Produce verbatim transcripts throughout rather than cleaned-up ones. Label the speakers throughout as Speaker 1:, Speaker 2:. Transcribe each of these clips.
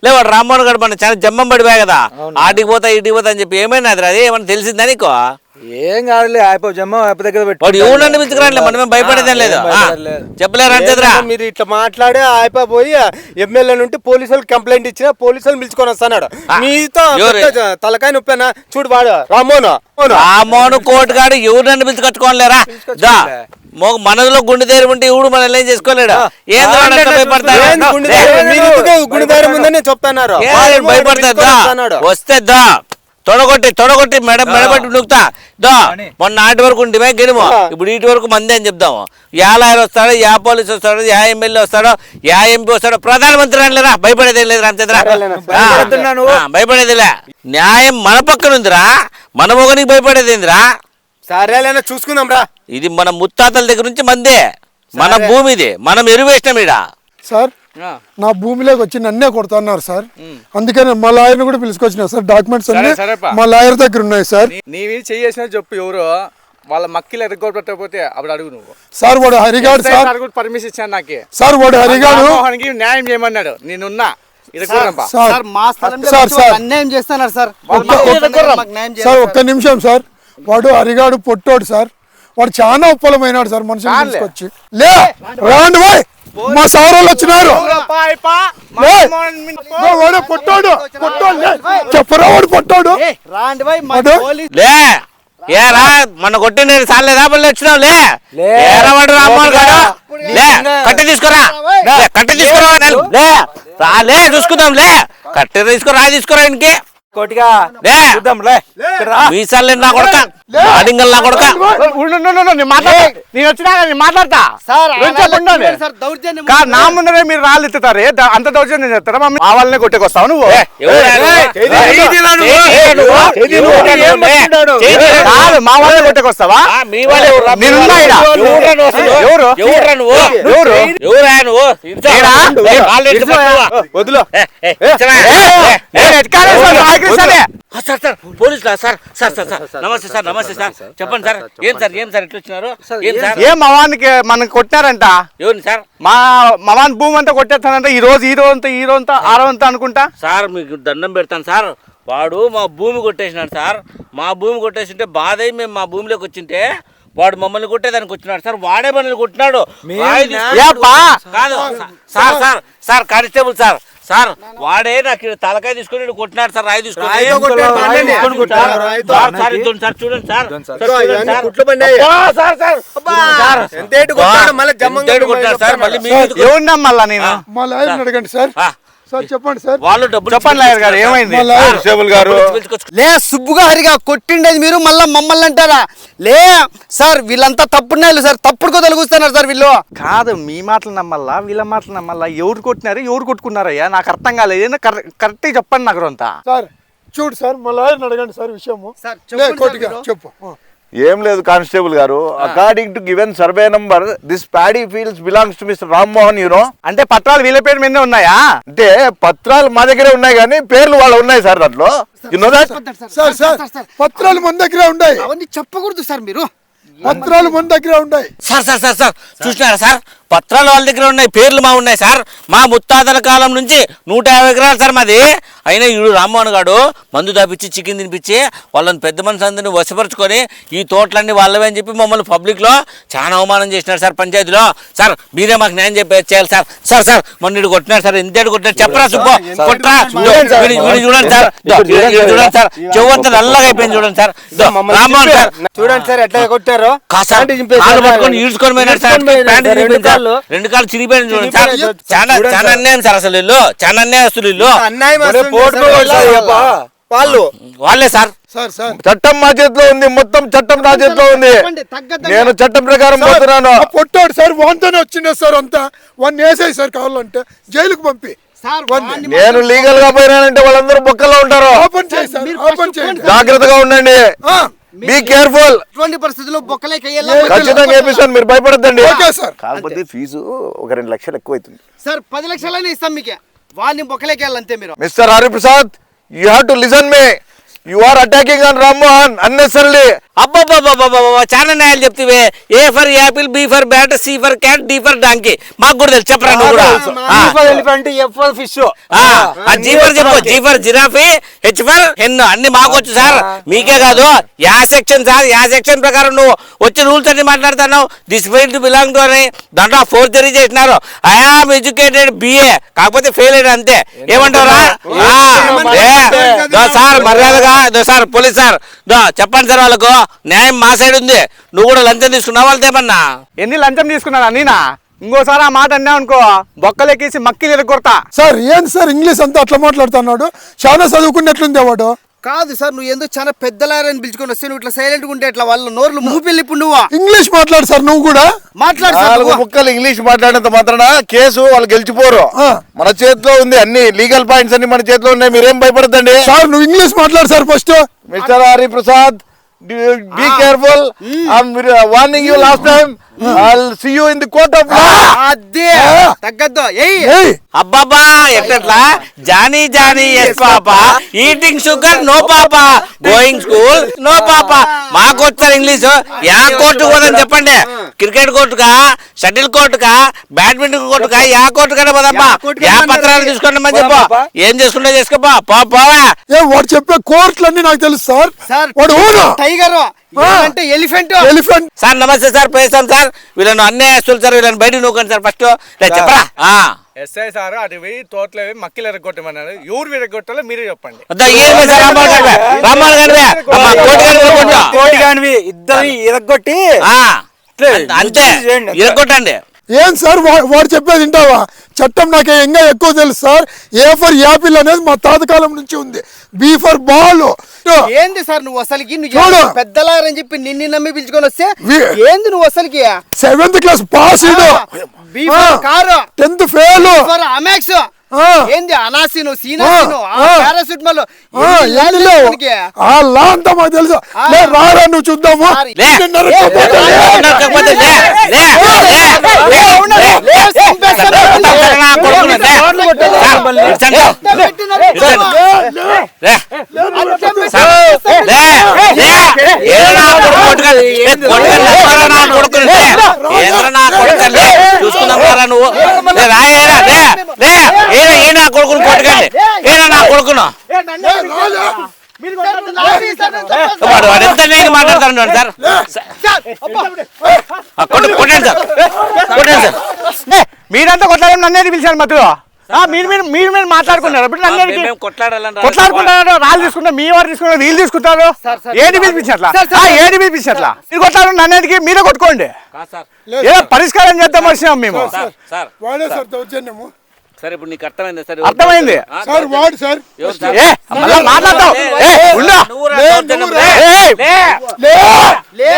Speaker 1: లేవాడు రామ్మోహన్ గారు మన చాలా జమ్మం పడిపోయా కదా, ఆటికి పోతా ఇటుకి పోతా అని చెప్పి ఏమైనా అది అదే ఏమన్నా తెలిసిందా నీకు?
Speaker 2: ఏం కాదులే, అయిపో జమ్మ అయిపో దగ్గర పెట్టి
Speaker 1: వాడు ఎవరినన్ను పిలుచుకురాలే, మనమేం భయపడేదేం లేదు. చెప్పలేరు అంతేదిరా.
Speaker 3: మీరు ఇట్లా మాట్లాడే అయిపోయి ఎమ్మెల్యే నుండి పోలీసులు కంప్లైంట్ ఇచ్చిన పోలీసులు పిలుచుకొని వస్తున్నాడు. మీతో తలకాయ నొప్పేనా చూడు వాడు రామ్మోహన్
Speaker 1: రామ్మోహన్ కోర్టు కాడు ఎవరినన్ను పిలుచుకొచ్చుకోలేరా? దా మనలో గుండె ధైర్యం ఉంటే ఎవడు మనల్ని ఏం చేసుకోలేడు. ఏం భయపడతాడు?
Speaker 3: చెప్తున్నారు
Speaker 1: భయపడతాడు. వస్తే దా తొడగొట్టి తొడగొట్టి మెడ మెడబట్టి నూకుతా. దా మొన్న నాటి వరకు ఉంటే గెలుము, ఇప్పుడు ఇటు వరకు మంది అని చెప్దాము. యా లాయర్ వస్తాడో, యా పోలీసు వస్తాడో, యా ఎమ్మెల్యే వస్తాడో, యా ఎంపీ వస్తాడో, ప్రధానమంత్రి అనలేరా? భయపడేదేం లేదు రామచంద్ర, భయపడేదిలే. న్యాయం మన పక్కన ఉందిరా, మన మొగనికి భయపడేదేందిరా?
Speaker 3: సరేలేనా చూసుకుందాం రా.
Speaker 1: ఇది మన ముత్తాతల దగ్గర నుంచి మందే, మన భూమి ఇది, మనం ఎరువేసినాం ఈడ.
Speaker 4: సార్ నా భూమిలోకి వచ్చి నన్నే కొడుతున్నారు సార్, అందుకని మా లాయర్ కూడా పిలుచుకొచ్చినా సార్. డాక్యుమెంట్స్ అన్ని మా లాయర్ దగ్గర ఉన్నాయి సార్.
Speaker 2: నీవి చేసిన చెప్పు ఎవరు వాళ్ళ మక్కిలు ఎరగొట్టకపోతే అప్పుడు అడుగు నువ్వు.
Speaker 4: సార్ వాడు హరిగాడు సార్,
Speaker 2: పర్మిషన్ ఇచ్చాను నాకే
Speaker 4: సార్. వాడు హరిగాడు
Speaker 2: న్యాయం చేయమన్నాడు, నేనున్నా
Speaker 5: అన్యాయం చేస్తున్నారు సార్.
Speaker 4: సార్ ఒక్క నిమిషం సార్. వాడు హరిగాడు పొట్టోడు సార్, వాడు చాలా ఉప్పలమైనాడు సార్. మనుషులు తీసుకొచ్చి లే రాండి బాయ్, మా సార్ వాళ్ళు వచ్చినారు. వాడు పొట్టాడు పొట్టాడు చెప్పరా, వాడు పొట్టాడు
Speaker 1: లే. ఏరా మన కొట్టిన సార్లేదా పళ్ళు వచ్చినావు? లే ఏరవాడు రామ్మోహన్ గారు, లే కట్టె తీసుకురా, కట్టె తీసుకురా, లే రాలే చూసుకుందాం. లే కట్టె తీసుకురా, తీసుకురా ఇంటికి
Speaker 2: కోటిగా
Speaker 1: మీసాలు నా కొడక, అడింగల్ నా కొడక.
Speaker 2: నేను వచ్చినా మాట్లాడతా నా ముందరే మీరు రాళ్ళు ఎత్తుతారే, అంత దౌర్జన్యం చేస్తారా? మా వాళ్ళనే కొట్టేకొస్తావు నువ్వు. మా వాళ్ళనే కొట్టేకొస్తావా?
Speaker 1: పోలీసులా సార్? సార్ సార్ సార్ నమస్తే సార్, నమస్తే సార్. చెప్పండి సార్, ఏం సార్ ఏం సార్ ఎట్లా వచ్చినారు? ఏం సార్
Speaker 2: ఏం మవానికి మనం కొట్టారంట?
Speaker 1: ఎవరిని సార్?
Speaker 2: మా మవాన్ భూమి అంతా కొట్టేస్తానంట ఈ రోజు, ఈ రోజంతా ఈ రోజంతా ఆరో అంతా అనుకుంటా.
Speaker 1: సార్ మీకు దండం పెడతాను సార్, వాడు మా భూమి కొట్టేసినాడు సార్. మా భూమి కొట్టేసింటే బాధ అయి మేము మా భూమిలోకి వచ్చింటే వాడు మమ్మల్ని కొట్టేదానికి వచ్చినాడు సార్. వాడే మనల్ని కొట్టినాడు కాదు sir. Sir sir constable sir, sir వాడే నాకు తలకాయ తీసుకొని కొట్టినాడు సార్, రాయి తీసుకొని. సార్ చూడండి సార్,
Speaker 2: ఏమున్నా మళ్ళా నేను
Speaker 4: మా లాయర్ అడగండి సార్. సార్ చెప్పండి సార్.
Speaker 1: వాళ్ళు డబ్బులు
Speaker 2: చెప్పండి లాయర్ గారు, ఏమైంది?
Speaker 3: గారు
Speaker 5: లే సుబ్బుగా హరిగా కొట్టిండేది మీరు మళ్ళా మమ్మల్ని అంటారా? లే సార్ వీళ్ళంతా తప్పుడు సార్, తప్పుడు కొత్తలు కూస్తున్నారు సార్ వీళ్ళు.
Speaker 2: కాదు మీ మాటలు నమ్మల్లా వీళ్ళ మాటలు నమ్మల్లా? ఎవరు కొట్టినారు ఎవరు కొట్టుకున్నారయ్యా? నాకు అర్థం కాలేదు, కరెక్ట్ చెప్పండి నాకు అంతా.
Speaker 4: సార్ చూడు సార్, మా లాయర్ అడగండి సార్ విషయము. చెప్పు.
Speaker 6: ఏం లేదు కానిస్టేబుల్ గారు, according to given survey number this paddy fields belongs to mister Rammohan you know.
Speaker 2: అంటే పత్రాలు వీళ్ళ పేరు మీదే ఉన్నాయా?
Speaker 6: అంటే పత్రాలు మా దగ్గరే ఉన్నాయి కానీ పేర్లు వాళ్ళు ఉన్నాయి సార్ దాంట్లో. You know that?
Speaker 4: Sir sir పత్రాలు మన దగ్గరే ఉన్నాయి.
Speaker 5: అవన్నీ చెప్పకూడదు సార్ మీరు.
Speaker 4: పత్రాలు మన దగ్గర ఉన్నాయి
Speaker 1: సార్. సార్ సార్ సార్ చూసినారా సార్, పత్రాలు వాళ్ళ దగ్గర ఉన్నాయి, పేర్లు మా ఉన్నాయి సార్. మా ముత్తాతల కాలం నుంచి నూట యాభై ఎకరాలు సార్ మాది. అయినా ఈడు రామ్మోహన్ గారు మందు దాపిచ్చి చికెన్ తినిపించి వాళ్ళని పెద్ద మనిషి అందరినీ వశపరుచుకొని ఈ తోటలన్నీ వాళ్ళవే అని చెప్పి మమ్మల్ని పబ్లిక్లో చాలా అవమానం చేసినారు సార్ పంచాయతీలో. సార్ మీరే మాకు న్యాయం చెప్పే చేయాలి సార్. సార్ సార్ మొన్న ఇటు కొట్టినారు సార్, ఎంత కొట్టినారు చెప్పరా సుబ్బు, కొట్టరా చూడండి సార్, చూడండి సార్ చెవంత నల్లగా అయిపోయింది చూడండి సార్. రామ్మోహన్ సార్
Speaker 3: చూడండి సార్ ఎట్లా కొట్టారు,
Speaker 1: పట్టుకొని ఈడ్చుకొని పోయినాడు సార్. రెండు కాళ్ళు చిరిగిపోయిన చూడండి సార్. చాలా చాలా అన్యాయం సార్, అసలు ఇల్లు చాలా అన్యాయస్తులు ఇల్లు.
Speaker 3: వాళ్ళు
Speaker 1: వాళ్ళే సార్.
Speaker 6: చట్టం మా చేతిలో ఉంది, మొత్తం చట్టం నా చేతిలో ఉంది. నేను చట్టం ప్రకారం పోతున్నాను.
Speaker 4: పొట్టాడు సార్, వాంతోనే వచ్చిండే సార్ అంతా. వాడిని వేసేయి సార్, కావాలంటే జైలుకు పంపి.
Speaker 6: నేను లీగల్ గా పోయినానంటే వాళ్ళందరూ బొక్కల్లో ఉంటారు. జాగ్రత్తగా ఉండండి, బీ కేర్ఫుల్.
Speaker 5: పరిస్థితుల్లో
Speaker 6: ఖచ్చితంగా వేపిస్తాను, మీరు భయపడద్దండి. కాకపోతే ఫీజు ఒక రెండు లక్షలు ఎక్కువ అవుతుంది
Speaker 5: సార్. పది లక్షలైనా ఇస్తాం మీకు, వాళ్ళని బొక్కలేకెళ్ళంతే మీరు.
Speaker 6: Mister Hariprasad, you have to listen me. You are attacking on Rammohan unnecessarily.
Speaker 1: అబ్బబ్బబ్బబ్బబ్బ చాలా న్యాయాలు చెప్తివే. A for apple, B for bat, C for cat, D for donkey. మాకు కూడా తెలుసు, చెప్పరా నువ్వు కూడా.
Speaker 3: Elephant, F for fish.
Speaker 1: G for చెప్పు, G for giraffe, H for hen, అన్ని మాకు వచ్చు సార్. మీకే కాదు, యా సెక్షన్ సార్, యా సెక్షన్ ప్రకారం నువ్వు వచ్చి రూల్స్ అన్ని మాట్లాడుతున్నావు. దిస్ ఫీల్డ్ బిలాంగ్ టు అని దాంట్లో ఫోర్జరీ చేసినారు. ఐ ఆమ్ ఎడ్యుకేటెడ్ బిఏ, కాకపోతే ఫెయిల్ అయ్యాడు అంతే. ఏమంటారా సార్? మర్యాదగా సార్, పోలీస్ సార్ చెప్పండి సార్ వాళ్ళకు, న్యాయం మా సైడ్ ఉంది. నువ్వు కూడా లంచం తీసుకున్నావు వాళ్ళతో ఏమన్నా?
Speaker 2: ఎన్ని లంచం తీసుకున్నాడా నేనా? ఇంకోసారి ఆ మాట అన్నా అనుకో బొక్కలెక్కేసి మక్కిలు ఎరగొడతా.
Speaker 4: సార్ ఏం సార్ ఇంగ్లీష్ అంతా అట్లా మాట్లాడుతున్నాడు? చాలా చదువుకున్నట్లుంది వాడు.
Speaker 5: కాదు సార్, నువ్వు ఎందుకు చాలా పెద్దలారని పిలుచుకొని వస్తే నువ్వు ఇట్లా సైలెంట్ ఉంటే ఇట్లా వాళ్ళ నోర్లు మూపిల్లి. ఇప్పుడు నువ్వు
Speaker 4: ఇంగ్లీష్ మాట్లాడు సార్, నువ్వు కూడా
Speaker 5: మాట్లాడు సార్.
Speaker 6: నాలుగు ముక్కలు ఇంగ్లీష్ మాట్లాడినంత మాత్రాన కేసు వాళ్ళు గెలిచిపోరు.
Speaker 4: ఆ.
Speaker 6: మన చేతిలో ఉంది, అన్ని లీగల్ పాయింట్స్ అన్ని మన చేతిలో ఉన్నాయి. మీరేం భయపడద్దండి.
Speaker 4: సార్ నువ్వు ఇంగ్లీష్ మాట్లాడు sir first.
Speaker 6: Mister Hariprasad, be careful. I'm warning you last time. I'll see you in the court of law.
Speaker 5: అదే తగ్గద్దు. ఏయ్
Speaker 4: ఏయ్
Speaker 1: అబ్బాబా ఎట్లా Johnny Johnny yes papa, eating sugar no papa, going school no papa. మాకు వచ్చారు English. యా court పోదని చెప్పండి. క్రికెట్ కోర్టుకా, షటిల్ కోర్టుకా, బ్యాడ్మింటన్ కోర్టుకా, యా కోర్టు కన్నా పోదమ్మా. యా పత్రాలు తీసుకోండి చెప్పు. ఏం చేసుకుంటే చేసుకోపా, పోవా.
Speaker 4: ఏ వాడు చెప్పే కోర్టులన్నీ నాకు తెలుసు సార్.
Speaker 5: సార్
Speaker 4: వాడు ఓను
Speaker 5: టైగర్ అంటే ఎలిఫెంట్.
Speaker 4: ఎలిఫెంట్.
Speaker 1: సార్ నమస్తే సార్, పేస్తాం సార్. వీళ్ళని అన్యాయస్తులు సార్, వీళ్ళని బయట నూకండి సార్ ఫస్ట్. చెప్పరా
Speaker 2: ఎస్ఐ సార్ అటు పోయి తోటలో పోయి మక్కిలు ఎరగొట్టమన్నాడు. ఎవరు విరగొట్టాలో మీరే చెప్పండి.
Speaker 3: కోటి కానివి ఇద్దరు ఇరగొట్టి
Speaker 1: అంతే ఇరగొట్టండి.
Speaker 4: ఏం సార్ వా- వాడు చెప్పేది వింటావా? చట్టం నాకు ఇంకా ఎక్కువ తెలుసు సార్. ఏ ఫర్ యాపిల్ అనేది మా తాతకాలం నుంచి ఉంది. B for ball.
Speaker 5: ఏంది సార్ నువ్వు అసలుకి? నువ్వు
Speaker 4: చూడు.
Speaker 5: పెద్దలారని చెప్పి నిన్ను నమ్మి పిలుచుకొని వస్తే
Speaker 4: వి-
Speaker 5: ఏంది నువ్వు అసలుకి?
Speaker 4: Seventh class pass
Speaker 5: B for car,
Speaker 4: tenth fail.
Speaker 5: For Amex,
Speaker 4: ఆ.
Speaker 5: ఏంది అనాసిను, సీనాసిను,
Speaker 4: ఆ.
Speaker 5: పారాసిటమాల్,
Speaker 4: ఆ లా అంతా మాకు తెలుసు. లే, రారా నువ్వు చూద్దాము.
Speaker 1: లే.
Speaker 4: నిన్ను నరక్కపోతే లే.
Speaker 1: నరక్కపోతే లే. లే. లే. నా కొడుకుని లే. సార్, ఇచ్చండి. లే. సార్, లే. లే. ఏదైనా కొడుకు కొట్టుకొని, ఏ కొట్టుకొని లేకపోరా నా కొడుకుని లే. ఏదైనా నా కొడుకుని లే. చూసుకుందాం రా నువ్వు. లే, రా, ఏరా, లే. లే. ఏరా, ఏ నా కొడుకుని కొట్టుకోండి. ఏరా నా కొడుకును. వాడు వాడు ఎంత నేను మాట్లాడతాను సార్. ఆ, కొట్టు- కొట్టండి సార్, కొట్టండి సార్.
Speaker 2: మీరంతా కొట్లాడే నన్నేది పిలిచారు మధ్యలో. ఆ, మీరు మీరు మీరు మీరు మాట్లాడుకున్నారు. ఇప్పుడు నన్నేది
Speaker 1: మేము కొట్లాడాలని
Speaker 2: కొట్లాడుకుంటారు. రాళ్ళు తీసుకుంటారు, మీ వారు తీసుకుంటారు, వీళ్ళు తీసుకుంటారు. ఏది పిలిపించట్లా? ఏది పిలిపించట్లా? మీరు కొట్లాడు నన్నేదికి మీరే కొట్టుకోండి.
Speaker 1: కాదు సార్.
Speaker 2: ఏదో పరిష్కారం చేద్దాం వచ్చినాం మేము.
Speaker 1: సార్ సార్
Speaker 4: వాడే సార్ దౌర్జన్యము.
Speaker 1: సార్ ఇప్పుడు నీకు అర్థమైంది సార్.
Speaker 2: అర్థమైంది.
Speaker 1: ఆ,
Speaker 4: సార్ వాడు సార్.
Speaker 1: ఎవరు సార్?
Speaker 2: ఏ మళ్ళా మాట్లాడతావు. ఏ ఉండు.
Speaker 1: నువ్వు రా,
Speaker 4: లే,
Speaker 1: దౌర్జన్యం.
Speaker 4: నువ్వు రా.
Speaker 1: లే.
Speaker 2: ఏయ్,
Speaker 1: లే.
Speaker 4: లే.
Speaker 2: ఏయ్,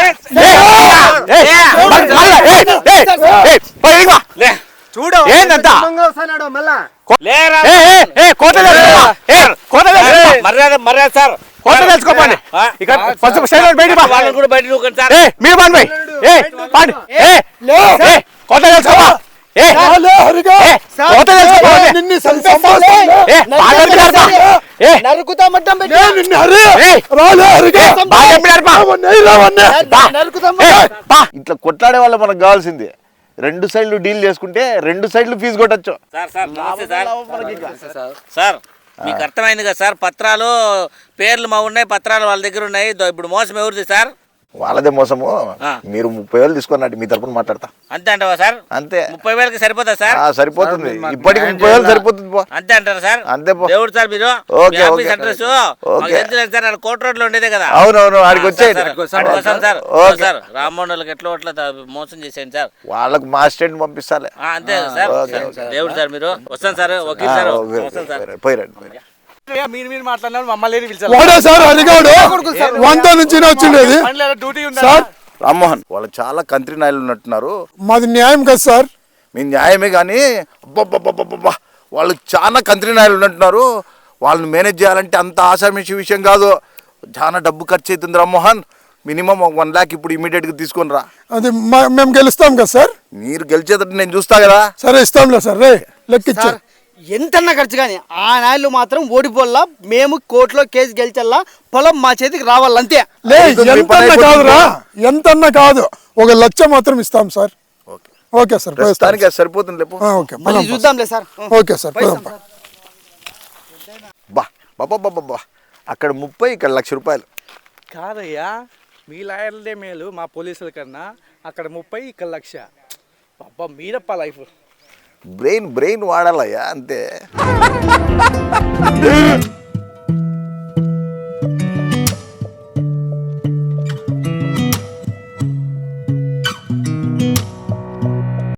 Speaker 2: ఏయ్, మళ్ళా, ఏయ్, ఏయ్, ఏయ్, పోయి ఇదిగో.
Speaker 1: లే.
Speaker 3: చూడు
Speaker 2: ఏందంతా?
Speaker 3: వస్తున్నాడు మళ్ళా.
Speaker 1: లేరా.
Speaker 2: ఏ ఏ ఏ కోట తెలుసుకో. ఏ కోట తెలుసుకో.
Speaker 1: మర్యాద మర్యాద సార్.
Speaker 2: కోట తెలుసుకోపండి.
Speaker 1: ఆ,
Speaker 2: ఇక ఫస్ట్ సైడ్ బయటికి పా.
Speaker 1: వాళ్ళని కూడా బయట నూకండి సార్.
Speaker 2: ఏ మీరు పండి పోయి. ఏ పండి. ఏ
Speaker 4: లే.
Speaker 2: ఏ కోట తెలుసుకోపా. ఏ
Speaker 4: రాలే, హరిగా.
Speaker 2: ఏ కోట తెలుసుకోపా.
Speaker 4: నిన్ను సంపాదిస్తా.
Speaker 2: ఏ బాగా చెప్పినారు పా. ఏ
Speaker 5: నరుకుతామంటాం
Speaker 4: లే, నిన్ను హరి.
Speaker 2: ఏయ్.
Speaker 4: రాలే, హరిగా.
Speaker 2: బాగా చెప్పినారు పా.
Speaker 4: అవన్నీ రావన్నీ.
Speaker 5: నరుకుతాం.
Speaker 2: ఏ పా.
Speaker 6: ఇట్లా కొట్లాడే వాళ్ళ మనకు కావాల్సింది. రెండు సైడ్లు డీల్ చేసుకుంటే రెండు సైడ్లు ఫీజు కొట్టచ్చు.
Speaker 1: సార్ సార్ నమస్తే సార్. సార్ మీకు అర్థమైంది కదా సార్. పత్రాలు పేర్లు మా ఉన్నాయి, పత్రాలు వాళ్ళ దగ్గర ఉన్నాయి. దో ఇప్పుడు మోసం ఎవరిది సార్?
Speaker 6: వాళ్ళదే మోసము.
Speaker 1: ఆ.
Speaker 6: మీరు ముప్పై వేలు తీసుకున్నట్టు మీ తరపున మాట్లాడతా.
Speaker 1: అంతే అంటావా సార్?
Speaker 6: అంతే.
Speaker 1: ముప్పై వేలకి సరిపోతా సార్?
Speaker 6: ఆ, సరిపోతుంది. ఇప్పటికి ముప్పై వేలు సరిపోతుంది పో.
Speaker 1: అంతే అంటారా సార్?
Speaker 6: అంతే పో.
Speaker 1: దేవుడు సార్ మీరు.
Speaker 6: ఓకే,
Speaker 1: మీ ఆఫీస్
Speaker 6: ఓకే.
Speaker 1: Address
Speaker 6: okay.
Speaker 1: తెలుసు సార్. ఆడ కోట రోడ్ లో ఉండేదే కదా.
Speaker 6: అవునవును, ఆడికి వచ్చేయండి.
Speaker 1: సార్, సార్, వస్తాం సార్.
Speaker 6: ఓకే.
Speaker 1: సార్ రామ్మోహన్ వాళ్ళకి ఎట్లా అట్లా మోసం చేసేయండి సార్.
Speaker 6: వాళ్ళకు మా స్టేట్ పంపిస్తాలే.
Speaker 1: ఆ, అంతే కదా సార్.
Speaker 6: Okay, okay.
Speaker 1: దేవుడు సార్ మీరు. వస్తాను సార్. వకీల్ సార్ వస్తాను సార్.
Speaker 6: పోయిరండి పోయిరండి.
Speaker 2: మీరు మీరు మాట్లాడినారు మమ్మల్ని పిలిచారు.
Speaker 4: వాడే సార్ హరిగాడు. వంద నుంచి వచ్చిండేది
Speaker 2: డ్యూటీ
Speaker 4: సార్.
Speaker 6: రామ్మోహన్ వాళ్ళు చాలా కంత్రి నాయలు ఉన్నట్టున్నారు.
Speaker 4: మాది న్యాయం కదా సార్.
Speaker 6: మీ న్యాయమే కానీ అబ్బబ్బబ్బబ్బబ్బా వాళ్ళు చాలా కంత్రి నాయలు ఉన్నట్టున్నారు. వాళ్ళని మేనేజ్ చేయాలంటే అంత ఆశామిషి విషయం కాదు. చాలా డబ్బు ఖర్చు అవుతుంది రామ్మోహన్. మినిమం వన్ ల్యాక్ ఇప్పుడు ఇమీడియట్గా తీసుకొని రా.
Speaker 4: అది మా- మేము గెలుస్తాం కదా సార్.
Speaker 6: మీరు గెలిచేటట్టు నేను చూస్తా కదా.
Speaker 4: సరే ఇస్తాంలే సార్. రే లెక్కిచ్చా.
Speaker 5: సార్ ఎంతన్నా ఖర్చు కానీ ఆ నాయలు మాత్రం ఓడిపోల్లా, మేము కోర్టులో కేసు గెలిచల్లా, పొలం మా చేతికి రావాలంతే.
Speaker 4: లే
Speaker 6: అయిపోతుంది, మీ పని
Speaker 4: ఎంతన్నా
Speaker 6: అయిపోతుంది.
Speaker 4: కాదురా, ఎంతన్నా కాదు, ఒక లక్ష మాత్రం ఇస్తాం సార్.
Speaker 6: ఓకే
Speaker 4: ఓకే సార్, పోయేస్తాం.
Speaker 6: ప్రస్తుతానికి అది సరిపోతుంది లేపు
Speaker 4: ఆ, ఓకే
Speaker 5: మళ్ళీ
Speaker 4: పోదాం.
Speaker 5: చూద్దాంలే సార్.
Speaker 4: ఓకే సార్, పోదాం.
Speaker 6: బా బాబా బాబా బా అక్కడ ముప్పై ఇక్కడ లక్ష రూపాయలు.
Speaker 2: కాదయ్యా, మీ లాయర్లదే మేలు మా పోలీసుల కన్నా. అక్కడ ముప్పై ఇక్కడ లక్ష. అబ్బా మీరప్ప లైఫ్.
Speaker 6: బ్రెయిన్ బ్రెయిన్ వాడాలయ్యా అంతే.